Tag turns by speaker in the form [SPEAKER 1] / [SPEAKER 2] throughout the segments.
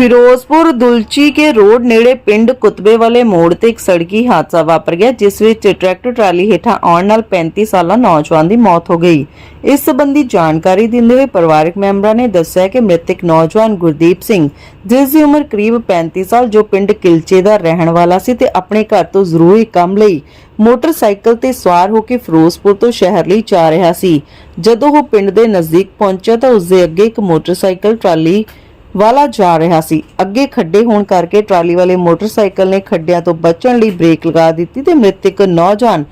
[SPEAKER 1] फिरोजपुर दुलची के रोड नेड़े पिंड कुतबे वाले मोड़ ते एक सड़की हादसा वापर गया जिस विच ट्रैक्टर ट्राली हेठा आउण नाल 35 साला नौजवान की मौत हो गई। इस संबंधी जानकारी दिंदे हुए परिवारक मैंबरां ने दस्सिया कि मृतक नौजवान गुरदीप सिंह जिसकी उम्र करीब 35 साल जो पिंड किलचे दा रहण वाला सी ते अपने घर तो जरूरी काम लई मोटरसाइकिल ते सवार होकर फिरोजपुर तो शहर ਲਈ जा रहा सी। जदों वो पिंड दे नजदीक पहुंचा तो उसके अगे एक मोटरसाइकिल ट्राली वाला जा रहा सी। अगे खड्डे होने करके ट्राली वाले मोटरसाइकिल ने खड्डियां तो बचण लई ब्रेक लगा दी ते मृतक नौजवान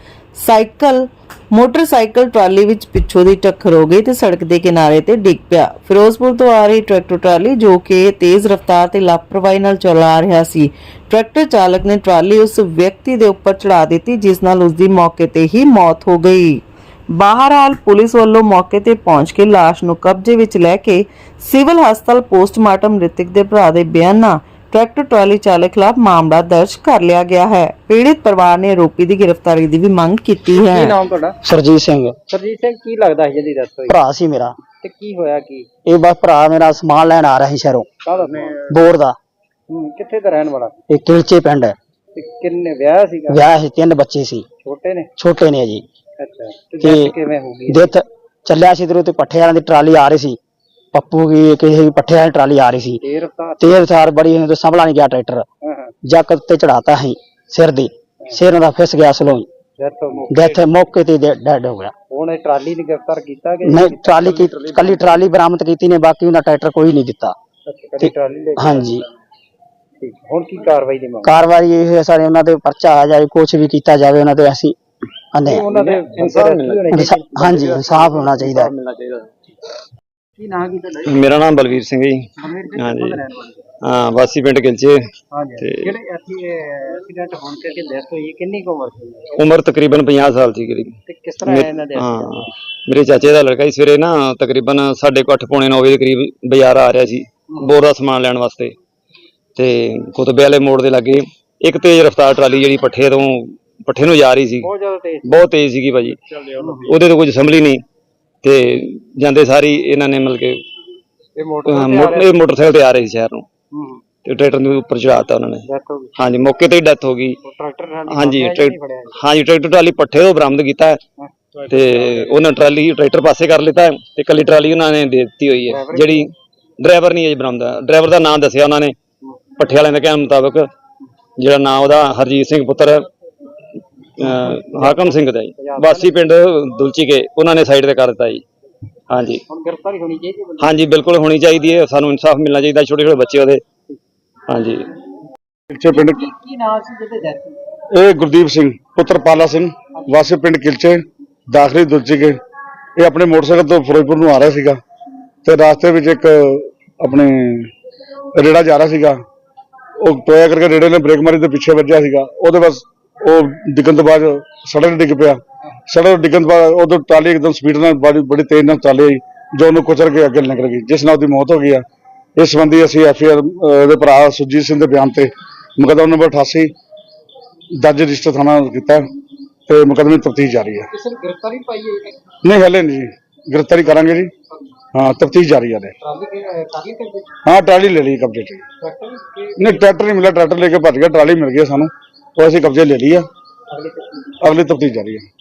[SPEAKER 1] मोटरसाइकिल ट्राली विच पिछों दी टक्कर हो गई ते सड़क दे किनारे ते डिग पिया। फिरोजपुर तो आ रही ट्रैक्टर ट्राली जो कि तेज रफ्तार ते लापरवाही नाल चला रहा सी, ट्रैक्टर चालक ने ट्राली उस व्यक्ति दे उपर चढ़ा दी जिस नाल उसदी मौके ते ही मौत हो गई। बहरहाल पुलिस वालों मौके ते पहुंच के लाश नूं कब्जे विच लैके सिविल हस्पताल पोस्टमार्टम मृतक दे भरा दे बयान ट्रैक्टर ट्राली चालक खिलाफ मामला दर्ज कर लिया गया है। पीड़ित परिवार ने आरोपी की गिरफ्तारी की भी मांग की है।
[SPEAKER 2] ਕੀ ਨਾਮ ਤੁਹਾਡਾ?
[SPEAKER 3] ਸਰਜੀਤ ਸਿੰਘ
[SPEAKER 2] ਸਰਜੀਤ ਸਿੰਘ ਕੀ ਲੱਗਦਾ ਸੀ ਜਿਹਦੀ ਡੈਥ ਹੋਈ
[SPEAKER 3] ਭਰਾ ਸੀ ਮੇਰਾ।
[SPEAKER 2] ਤੇ ਕੀ ਹੋਇਆ ਕੀ
[SPEAKER 3] ਇਹ ਬਸ ਭਰਾ ਮੇਰਾ ਸਮਾਨ ਲੈਣ ਆ ਰਿਹਾ ਸੀ ਸ਼ਹਿਰੋਂ
[SPEAKER 2] ਕਾਹਦਾ
[SPEAKER 3] ਬੋਰ ਦਾ।
[SPEAKER 2] ਕਿੱਥੇ ਦਾ ਰਹਿਣ ਵਾਲਾ
[SPEAKER 3] ਇਹ ਕਿਲਚੇ ਪਿੰਡ ਹੈ।
[SPEAKER 2] ਤੇ ਕਿੰਨੇ ਵਿਆਹ ਸੀਗਾ?
[SPEAKER 3] ਵਿਆਹ ਸੀ, 3 ਬੱਚੇ ਸੀ, ਛੋਟੇ ਨੇ ਜੀ।
[SPEAKER 2] ਅੱਛਾ ਤੇ death ਕਿਵੇਂ ਹੋ ਗਈ?
[SPEAKER 3] ਡੈਥ ਚੱਲਿਆ ਸੀ ਇਧਰੋਂ ਤੇ ਪੱਠੇ ਵਾਲਿਆਂ ਦੀ ਟਰਾਲੀ ਆ ਰਹੀ ਸੀ, ਪੱਪੂ ਕੀ ਕਿਸੇ ਪੱਠੇ ਵਾਲੀ ਟਰਾਲੀ ਆ ਰਹੀ ਸੀ, ਤੇਜ਼ ਰਫ਼ਤਾਰ ਬੜੀ ਤੇ ਸੰਭਲਾ ਨਹੀਂ ਗਿਆ ਟਰੈਕਟਰ, ਜੱਕ ਤੇ ਚੜਾਤਾ ਸੀ ਸਿਰ ਦੀ, ਸਿਰ ਦਾ ਫਿਸ ਗਿਆ ਸਲੋਂ, ਡੈਥ ਮੌਕੇ ਤੇ ਡੈਡ ਹੋ ਗਿਆ।
[SPEAKER 2] ਹੁਣ ਇਹ ਟਰਾਲੀ ਨੇ ਗ੍ਰਿਫਤਾਰ ਕੀਤਾ ਕਿ
[SPEAKER 3] ਨਹੀਂ? ਟਰਾਲੀ ਕੀ ਕੱਲੀ ਟਰਾਲੀ ਬਰਾਮਦ ਕੀਤੀ ਨੇ, ਬਾਕੀ ਉਹਦਾ ਟਰੈਕਟਰ ਕੋਈ ਨਹੀਂ ਦਿੱਤਾ। ਹਾਂਜੀ
[SPEAKER 2] ਠੀਕ। ਹੁਣ ਕੀ ਕਾਰਵਾਈ ਦੀ ਮੰਗ?
[SPEAKER 3] ਕਾਰਵਾਈ ਇਹ ਹੈ ਸਾਰੇ ਉਹਨਾਂ ਦੇ ਪਰਚਾ ਆ ਜਾਏ, ਕੁਝ ਵੀ ਕੀਤਾ ਜਾਵੇ ਉਹਨਾਂ ਤੇ ਅਸੀਂ ਆਨੇ। ਹਾਂਜੀ ਇਨਸਾਫ ਹੋਣਾ ਚਾਹੀਦਾ।
[SPEAKER 2] ਕੀ ਨਾਮ ਕੀ ਤੁਹਾਡਾ?
[SPEAKER 4] मेरा नाम बलवीर सिंह जी। हाँ जी, हाँ वासी पिंड किलचे।
[SPEAKER 2] ਜਿਹੜੇ ਐਕਸੀਡੈਂਟ ਹੋਣ ਕਰਕੇ ਡੈਥ ਹੋਈ ਕਿੰਨੀ ਕੁ ਉਮਰ ਸੀ?
[SPEAKER 4] उम्र तकरीबन 50 साल थी करीब।
[SPEAKER 2] ਤੇ ਕਿਸ ਤਰ੍ਹਾਂ ਇਹਨਾਂ ਦੇ
[SPEAKER 4] हाँ मेरे चाचे का लड़का ही सवेरे ना तकरीबन 8:30 पौने 9 ਵਜੇ करीब बाजार आ रहा सी बोर का समान लैन वास्ते ते कुतबे वाले मोड़ के लागे एक तेज रफ्तार ट्राली जी पट्ठे नूं जा रही सी, बहुत तेज सी भाजी, ਉਹਦੇ तो कुछ संभली नहीं ते ਜਾਂਦੇ ਸਾਰੀ ਇਹਨਾਂ ਨੇ ਮਿਲ ਕੇ मोटरसाइकिल ते आ रहे थे शहर नूं ਤੇ ट्रैक्टर ਦੇ ਉੱਪਰ ਚੜਾਤਾ ਉਹਨਾਂ ਨੇ। ਹਾਂਜੀ ਮੌਕੇ ਤੇ ਹੀ ਡੈਥ ਹੋ ਗਈ। ਹਾਂਜੀ ट्रैक्टर ट्राली पट्ठे ਤੋਂ ਬਰਾਮਦ ਕੀਤਾ ਤੇ ਉਹਨਾਂ ट्रैक्टर ਪਾਸੇ ਕਰ ਲਿੱਤਾ ਤੇ ਕੱਲੀ ਟਰਾਲੀ ਉਹਨਾਂ ਨੇ ਦੇ ਦਿੱਤੀ ਹੋਈ ਹੈ। ਜਿਹੜੀ ਡਰਾਈਵਰ ਨਹੀਂ ਅਜੇ ਬਰਾਮਦ, ਡਰਾਈਵਰ ਦਾ ਨਾਮ ਦੱਸਿਆ ਉਹਨਾਂ ਨੇ ਪੱਠੇ ਵਾਲਿਆਂ ਦੇ ਕਹਿਣ ਮੁਤਾਬਕ, ਜਿਹੜਾ ਨਾਮ ਉਹਦਾ ਹਰਜੀਤ ਸਿੰਘ ਪੁੱਤਰ ਹਾਕਮ ਸਿੰਘ ਦਾ ਜੀ, ਵਾਸੀ ਪਿੰਡ ਦੁਲਚੀ ਕੇ, ਉਹਨਾਂ ਨੇ ਸਾਈਡ ਤੇ ਕਰ ਦਿੱਤਾ ਜੀ। ਹਾਂਜੀ
[SPEAKER 2] ਗ੍ਰਿਫਤਾਰੀ ਹੋਣੀ ਚਾਹੀਦੀ ਹੈ।
[SPEAKER 4] ਹਾਂਜੀ ਬਿਲਕੁਲ ਹੋਣੀ ਚਾਹੀਦੀ ਹੈ, ਸਾਨੂੰ ਇਨਸਾਫ ਮਿਲਣਾ ਚਾਹੀਦਾ। ਛੋਟੇ ਛੋਟੇ ਬੱਚੇ ਉਹਦੇ। ਹਾਂਜੀ
[SPEAKER 5] किलचे पिंड
[SPEAKER 2] ਕੀ ਨਾਮ ਸੀ ਜਿਹਦੇ ਡੈਥ ਹੋਈ?
[SPEAKER 5] ਇਹ ਗੁਰਦੀਪ ਸਿੰਘ ਪੁੱਤਰ ਪਾਲਾ ਸਿੰਘ ਵਾਸੀ ਪਿੰਡ ਕਿਲਚੇ ਦਾਖਲੀ ਦੁਲਚੀ ਕੇ। ਇਹ ਆਪਣੇ ਮੋਟਰਸਾਈਕਲ ਤੋਂ ਫਿਰੋਜ਼ਪੁਰ ਨੂੰ ਆ ਰਿਹਾ ਸੀਗਾ ਤੇ ਰਾਸਤੇ ਵਿੱਚ ਇੱਕ ਆਪਣੇ ਰੇੜਾ ਜਾ ਰਿਹਾ ਸੀਗਾ, ਉਹ ਟੋਇਆ ਕਰਕੇ ਰੇੜੇ ਨੇ ਬ੍ਰੇਕ ਮਾਰੀ ਤੇ ਪਿੱਛੇ ਵੱਜਿਆ ਸੀਗਾ। ਉਹਦੇ ਬਸ ਉਹ ਡਿੱਗਣ ਤੋਂ ਬਾਅਦ ਸੜਕ ਡਿੱਗ ਪਿਆ। ਸੜਕ ਡਿੱਗਣ ਤੋਂ ਬਾਅਦ ਉਦੋਂ ਟਰਾਲੀ ਇੱਕਦਮ ਸਪੀਡ ਨਾਲ ਬੜੀ ਤੇਜ਼ ਨਾਲ ਚੱਲ ਆਈ ਜੋ ਉਹਨੂੰ ਕੁਚਲ ਕੇ ਅੱਗੇ ਨਿਕਲ ਗਈ, ਜਿਸ ਨਾਲ ਉਹਦੀ ਮੌਤ ਹੋ ਗਈ ਆ। ਇਸ ਸੰਬੰਧੀ ਅਸੀਂ FIR ਦੇ ਭਰਾ ਸੁਰਜੀਤ ਸਿੰਘ ਦੇ ਬਿਆਨ ਤੇ ਮੁਕੱਦਮਾ ਨੰਬਰ 88 ਦਰਜ ਰਜਿਸਟਰ ਥਾਣਾ ਕੀਤਾ ਤੇ ਮੁਕੱਦਮੇ ਦੀ ਤਫਤੀਸ਼ ਜਾਰੀ ਹੈ।
[SPEAKER 2] ਕਿਸੇ ਨੇ ਗ੍ਰਿਫਤਾਰੀ ਪਾਈ ਹੈ?
[SPEAKER 5] ਨਹੀਂ ਹਲੇ ਨਹੀਂ ਜੀ, ਗ੍ਰਿਫਤਾਰੀ ਕਰਾਂਗੇ ਜੀ। ਹਾਂ ਤਫਤੀਸ਼ ਜਾਰੀ ਹੈ। ਹਾਂ ਟਰਾਲੀ ਲੈ ਲਈ ਕਬਜ਼ੇ 'ਚ। ਨਹੀਂ ਟਰੈਕਟਰ ਨਹੀਂ ਮਿਲਿਆ, ਟਰੈਕਟਰ ਲੈ ਕੇ ਭੱਜ ਗਿਆ, ਟਰਾਲੀ ਮਿਲ ਗਈ ਸਾਨੂੰ, ਉਹ ਅਸੀਂ ਕਬਜ਼ੇ ਲੈ ਲਈ ਆ। ਅਗਲੀ ਤਫਤੀਸ਼ ਜਾਰੀ ਹੈ।